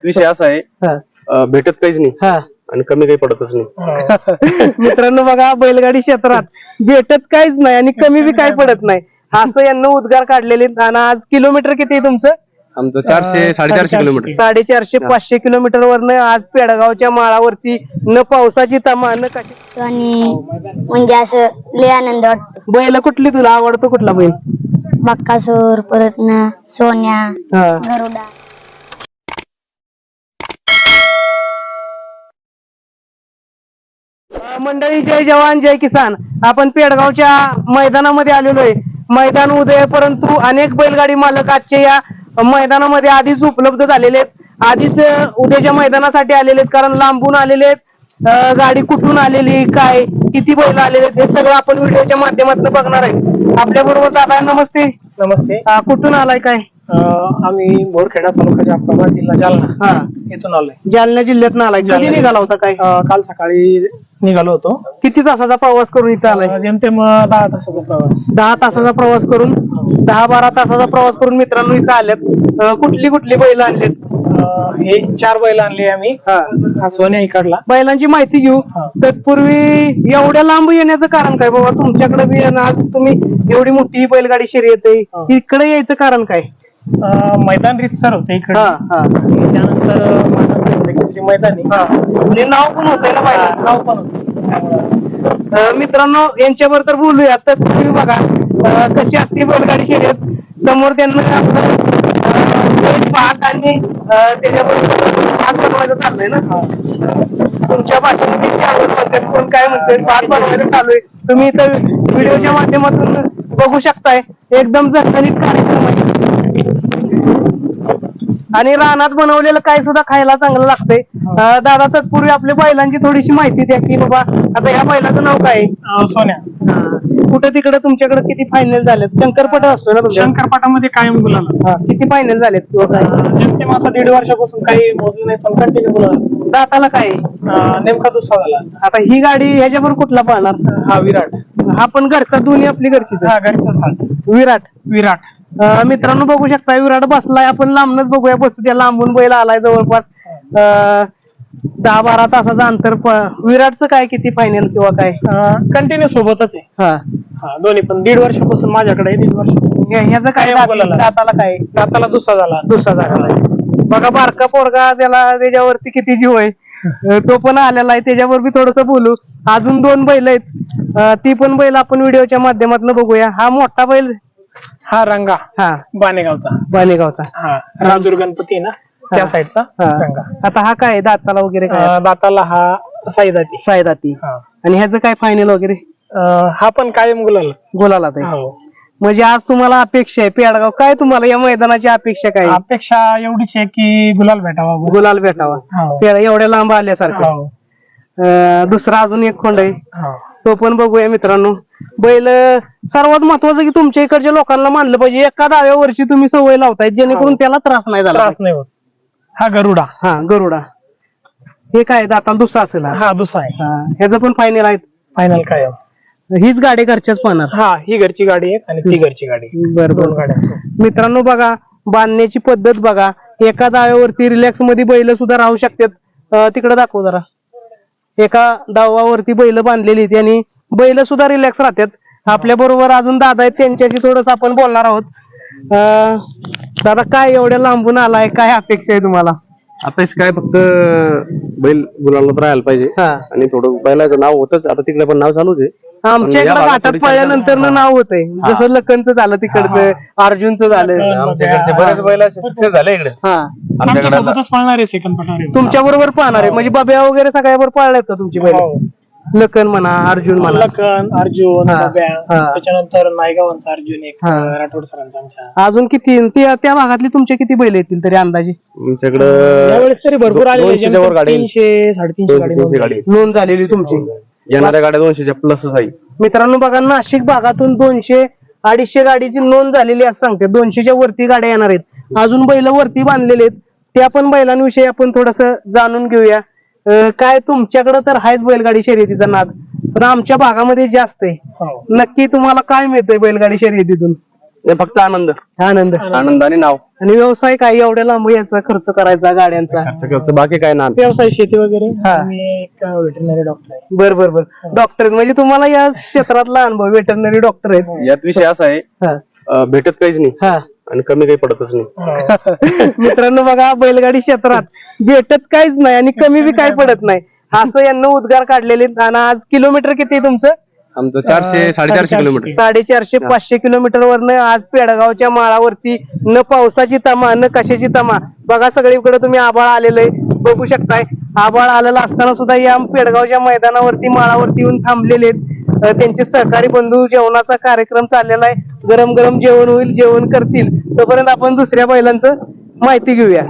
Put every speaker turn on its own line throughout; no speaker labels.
विषय असा आहे भेटत काहीच नाही आणि कमी काही पडतच नाही.
मित्रांनो बघा, बैलगाडी क्षेत्रात भेटत काहीच नाही आणि कमी बी काही पडत नाही असं यांना उद्गार काढलेले. आणि आज किलोमीटर किती आहे तुमचं?
आमचं 400-450 किलोमीटर.
450-500 किलोमीटर वरनं आज पेडगावच्या माळावरती न पावसाची तमा न कशी.
आणि म्हणजे असं लय आनंद वाटतो.
बैल कुठली तुला आवडतो? कुठला बैल?
बक्कासूर, परत ना सोन्या, गरुडा.
मंडळी, जय जवान जय किसान. आपण पेडगावच्या मैदानामध्ये आलेलो आहे. मैदान उदय आहे, परंतु अनेक बैलगाडी मालक आजच्या या मैदानामध्ये आधीच उपलब्ध झालेले आहेत. आधीच उद्याच्या मैदानासाठी आलेले आहेत, कारण लांबून आलेले आहेत. गाडी कुठून आलेली, काय किती बैल आलेले आहेत, हे सगळं आपण व्हिडिओच्या माध्यमातून बघणार आहे. आपल्या बरोबर दादा, नमस्ते.
नमस्ते.
कुठून आलाय काय?
आम्ही बोरखेडा तालुका अप्पाबाद, जिल्हा जालना इथून आलोय.
जालना जिल्ह्यात आलाय. कधी निघाला होता काय?
काल सकाळी निघालो होतो.
किती तासाचा प्रवास करून इथं आलाय?
जेमतेम 10 तासाचा प्रवास.
10 तासाचा प्रवास करून, 10-12 तासाचा प्रवास करून मित्रांनो इथं आल्यात. कुठली कुठली बैल आणलेत?
हे 4 बैल आणले आम्ही. हा सोन्या इकडला.
बैलांची माहिती घेऊ. तत्पूर्वी एवढ्या लांब येण्याचं कारण काय बाबा तुमच्याकडे बी? आज तुम्ही एवढी मोठी बैलगाडी शर्यत आहे, इकडे यायचं कारण काय?
मैदान रीतसर होते इकडे. त्यानंतर मानाचं होते केसरी मैदानी.
नाव पण होतंय ना बैला?
नाव पण होते.
मित्रांनो, यांच्याबरोबर तर बोलूया. तर तुम्ही बघा कशी असते बैलगाडी शर्यत. समोर त्यांना आपलं पाहत आणि त्याच्याबरोबर भात बनवायचं चाललंय ना. तुमच्या भाषेमध्ये चावल म्हणतात, कोण काय म्हणतात, भात बनवायचं चालू आहे. तुम्ही इथं व्हिडिओच्या माध्यमातून बघू शकताय. एकदम झणझणीत कार्यक्रम आहे आणि रानात बनवलेलं काय सुद्धा खायला चांगलं लागतंय. दादा, तत्पूर्वी आपल्या बैलांची थोडीशी माहिती द्या की बाबा आता ह्या बैलाचं नाव काय?
सोन्या.
कुठे तिकडे तुमच्याकडे किती फायनल झालेत? शंकरपट असतो ना तुमच्या?
शंकरपाटामध्ये कायम गुलाला.
किती फायनल झालेत किंवा काय?
जेमतेम आता 1.5 वर्षापासून काही मोजलं नाही, पण कंटिन्यू गुलाला.
दाताला काय?
नेमका दुसरा झाला.
आता ही गाडी ह्याच्यावर कुठला पाहणार?
हा विराट.
हा पण घरचा, दोन्ही आपली घरचीच.
हा घरचा साज.
विराट. मित्रांनो बघू शकता, विराट बसलाय. आपण लांबनच बघूया, बसू द्या. लांबून बैल आलाय जवळपास 10-12 तासाचं अंतर. विराटचं काय किती फायनल किंवा काय?
कंटिन्यू सोबतच आहे. हा दोन्ही पण 1.5 वर्षापासून माझ्याकडे आहे. 1.5 वर्षापासून.
ह्याचं काय दाताला काय?
दाताला दुसरा झाला.
बघा बारका पोरगा, त्याला त्याच्यावरती किती जीव आहे. तो पण आलेला आहे, त्याच्यावर बी थोडस बोलू. अजून 2 बैल आहेत, ती पण बैल आपण व्हिडिओच्या माध्यमातून बघूया. हा मोठा बैल, हा
रंगा.
बाणेगावचा.
हा राजूर गणपती आहे ना, त्या साईडचा रंगा.
आता हा काय दाताला वगैरे काय?
दाताला हा साईदाती.
आणि ह्याचं काय फायनल वगैरे?
हा पण कायम
गुलाला. म्हणजे आज तुम्हाला अपेक्षा आहे पेडगाव, काय तुम्हाला या मैदानाची अपेक्षा काय?
अपेक्षा एवढीच आहे की गुलाल भेटावा.
एवढ्या लांब आल्यासारखं. दुसरा अजून एक खोंड आहे, तो पण बघूया मित्रांनो. बैल सर्वात महत्वाचं की तुमच्या इकडच्या लोकांना मानलं पाहिजे, एका दाव्यावरची तुम्ही सवय लावताय जेणेकरून त्याला त्रास नाही झाला.
होत. हा
गरुडा. हे काय दाताला दुसरा असेल?
हा दुसरा आहे.
ह्याचं पण फायनल आहेत?
फायनल काय?
हीच गाडी घरच्याच पाहणार?
हा, ही घरची गाडी आहे आणि ती घरची गाडी.
बरोबर. मित्रांनो बघा, बांधण्याची पद्धत बघा. एका दाव्यावरती रिलॅक्स मध्ये बैल सुद्धा राहू शकतात. तिकडे दाखव जरा. एका दावावरती बैल बांधलेली आणि बैल सुद्धा रिलॅक्स राहतात. आपल्या बरोबर अजून दादा आहेत, त्यांच्याशी थोडस आपण बोलणार आहोत. दादा, काय एवढ्या लांबून आलाय, काय अपेक्षा आहे तुम्हाला?
अपेक्षा काय, फक्त बैल गुलालात राहायला पाहिजे आणि थोडं बैलाचं नाव होतच. आता तिकडे पण नाव चालूच आहे.
आमच्या इकडे घाटात पळल्यानंतर नाव होतंय, जसं लखनचं झालं तिकडचं, अर्जुनचं झालं.
आमच्याकडचे बरेच बैल सक्सेस झाले इकडे.
पळणार आहे सेकंड पटावर.
तुमच्या बरोबर पाहणार आहे म्हणजे बाब्या वगैरे सगळ्यावर पळल्यात का तुमची बैल? लखन म्हणा, अर्जुन म्हणा.
अर्जुन, त्याच्यानंतर नायगावांचा अर्जुन एक, राठोड सरांचा आमच्या.
अजून किती त्या भागातली तुमचे किती बैल येतील तरी अंदाजे?
आमच्याकडे
यावेळेस तरी भरपूर आले. 300-350 गाडी
नोंद झालेली तुमची.
येणाऱ्या गाड्या 200च्या प्लसच आहे.
मित्रांनो बघा, नाशिक भागातून 200-250 गाडीची नोंद झालेली असं सांगते. 200च्या वरती गाड्या येणार आहेत. अजून बैल वरती बांधलेले आहेत, त्या पण बैलांविषयी आपण थोडस जाणून घेऊया. काय तुमच्याकडे तर आहेच बैलगाडी शर्यतीचा नाद, पण आमच्या भागामध्ये जास्त आहे. नक्की तुम्हाला काय मिळतंय बैलगाडी शर्यतीतून?
हे फक्त आनंद
आनंद
आनंद आणि नाव
आणि व्यवसाय काय एवढ्या लांब याचा खर्च करायचा गाड्यांचा
खर्च बाकी काय ना
व्यवसाय शेती वगैरे
हा.
मी एक व्हेटरनरी डॉक्टर आहे.
बर बर बर डॉक्टर म्हणजे तुम्हाला या क्षेत्रातला अनुभव वेटरनरी डॉक्टर आहेत.
यात विषय असा आहे
हा.
भेटत काहीच नाही
हा.
आणि कमी काही पडतच नाही.
मित्रांनो बघा बैलगाडी क्षेत्रात भेटत काहीच नाही आणि कमी बी काही पडत नाही असं यांना उद्गार काढलेले आहेत. आणि आज किलोमीटर किती आहे तुमचं?
आमचं 400-450 किलोमीटर
450-500 किलोमीटर वरनं आज पेडगावच्या माळावरती न पावसाची तमा न कशाची तमा बघा सगळीकडे तुम्ही आभाळ आलेलं आहे बघू शकताय. आभाळ आलेलं असताना सुद्धा या पेडगावच्या मैदानावरती माळावरती येऊन थांबलेले आहेत. त्यांचे सहकारी बंधू जेवणाचा कार्यक्रम चाललेला आहे. गरम गरम जेवण होईल, जेवण करतील. तोपर्यंत आपण दुसऱ्या बैलांचं माहिती घेऊया.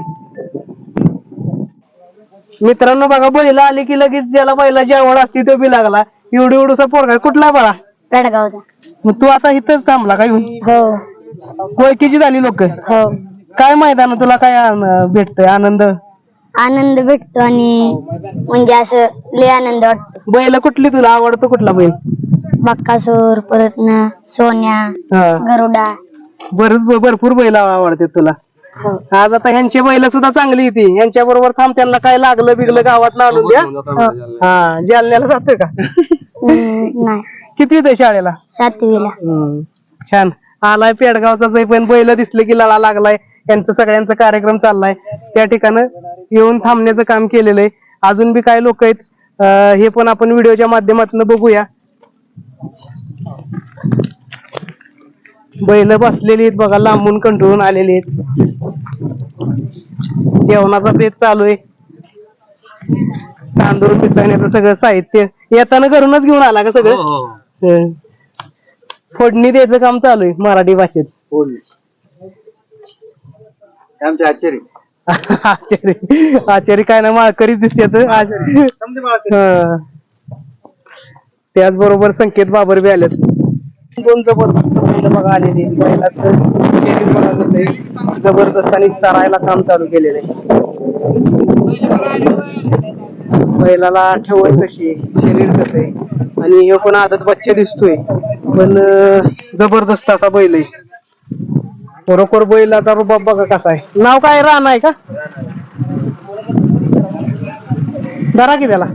मित्रांनो बघा बैल आले की लगेच ज्याला बैलाची आवड असते तो बी लागला. एवढी एवढूसा पोरगा कुठला बाळा?
पेडगावचा.
मग तू आता इथंच थांबला का येऊन?
हो
ओळखीची झाली लोक.
हो.
काय मैदान तुला काय भेटतंय आनंद?
आनंद भेटतो आणि म्हणजे असं लय आनंद वाटतो.
बैल कुठली तुला आवडतो कुठला बैल?
बक्कासूर परत सोन्या
हा.
गरुडा.
भरपूर बैल आवडते तुला. आज आता ह्यांची बैल सुद्धा चांगली येते. ह्यांच्या बरोबर थांब त्यांना काय लागलं बिगलं गावात आणून द्या. हा जालन्याला जातोय का?
नाही
किती येतोय शाळेला?
7वीला.
छान आलाय पेडगावचाच आहे पण बैल दिसले की लळा लागलाय. यांचा सगळ्यांचा कार्यक्रम चाललाय त्या ठिकाणी येऊन थांबण्याचं काम केलेलं आहे. अजून बी काय लोक आहेत हे पण आपण व्हिडिओच्या माध्यमातून बघूया. बैल बसलेली आहेत बघा लांबून कंटाळून आलेली आहेत. जेवणाचा बेत चालू आहे. तांदूळ मिसळण्याचं सगळं साहित्य येताना घरूनच घेऊन आला का सगळं? हं. फोडणी द्यायचं काम चालू आहे मराठी भाषेत. आचारी काय ना माळकरीच दिसते. त्याचबरोबर संकेत बाबर बी आलेत. दोन जबरदस्त बैल बघा आलेली. बैलाचं शरीर बघा कसं आहे जबरदस्त आणि चरायला काम चालू केलेलं आहे. बैलाला ठेवण कशी आहे, शरीर कसं आहे आणि हे पण आदत बच्चा दिसतोय पण जबरदस्त असा बैल आहे. बरोबर बैलाचा रुबाब बघा कसा आहे. नाव काय? राणा आहे का? धरा की त्याला.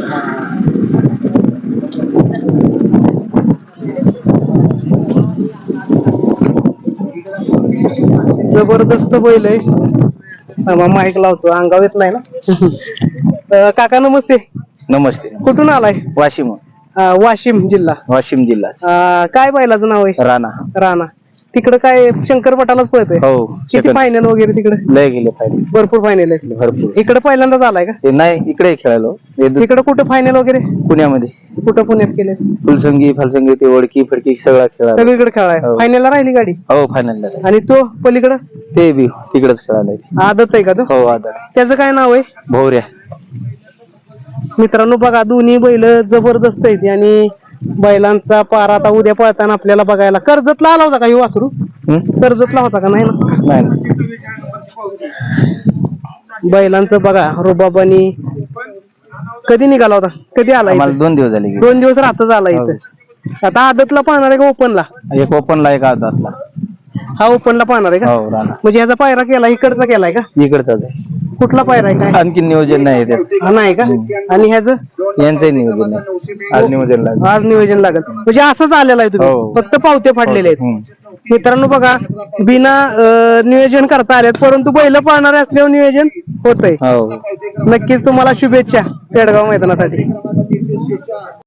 जबरदस्त बैल आहे. माईक लावतो अंगावर येत नाही ना. काका नमस्ते.
नमस्ते.
कुठून आलाय?
वाशिम.
वाशिम जिल्हा.
वाशिम जिल्हा.
काय बैलाचं नाव आहे?
राणा.
राणा. तिकडे काय शंकरपटालाच पळतंय?
हो.
किती फायनल वगैरे तिकडे?
लय गेले फायनल.
भरपूर फायनल आहे.
भरपूर.
इकडे पहिल्यांदाच आलाय का?
हे नाही इकडे खेळालो.
इकडे कुठं फायनल वगैरे?
पुण्यामध्ये.
कुठं पुण्यात केले?
फुलसंगी फलसंगी ते ओळखी फडकी सगळा खेळा.
सगळीकडे खेळाय.
हो.
फायनलला राहिली गाडी?
हो फायनल.
आणि तो पलीकडं
ते बी तिकडेच खेळायला.
आदत आहे का तो?
हो आदर.
त्याचं काय नाव आहे?
भोवऱ्या.
मित्रांनो बघा दोन्ही बैल जबरदस्त आहेत आणि बैलांचा पारा आता उद्या पळताना आपल्याला बघायला. कर्जतला आला होता का ही वासरू? कर्जतला होता का? नाही ना.
नाही.
बैलांचं बघा रुबाब आणि कधी निघाला होता? कधी आला?
मला 2 दिवस झाले.
2 दिवस राहतच आला इथं. आता आदतला पाहणार आहे का ओपनला?
एक ओपनला एक आदातला.
हा ओपनला पाहणार आहे का?
हो राणा.
म्हणजे ह्याचा पायरा केला इकडचा केलाय का?
इकडचाच आहे.
कुठला पायरा आहे काय?
आणखी नियोजन नाही त्याचं.
हा नाही का? आणि ह्याचं
यांचंही नियोजन नाही. आज नियोजन लागलं.
आज नियोजन लागत म्हणजे असंच आलेलं आहे तुम्ही
हो.
फक्त पावते फाडलेले आहेत. मित्रांनो बघा बिना नियोजन करता आलेत परंतु बैल पाळणारे असल्यावर नियोजन होतंय.
हो.
नक्कीच तुम्हाला शुभेच्छा पेडगाव मैदानासाठी.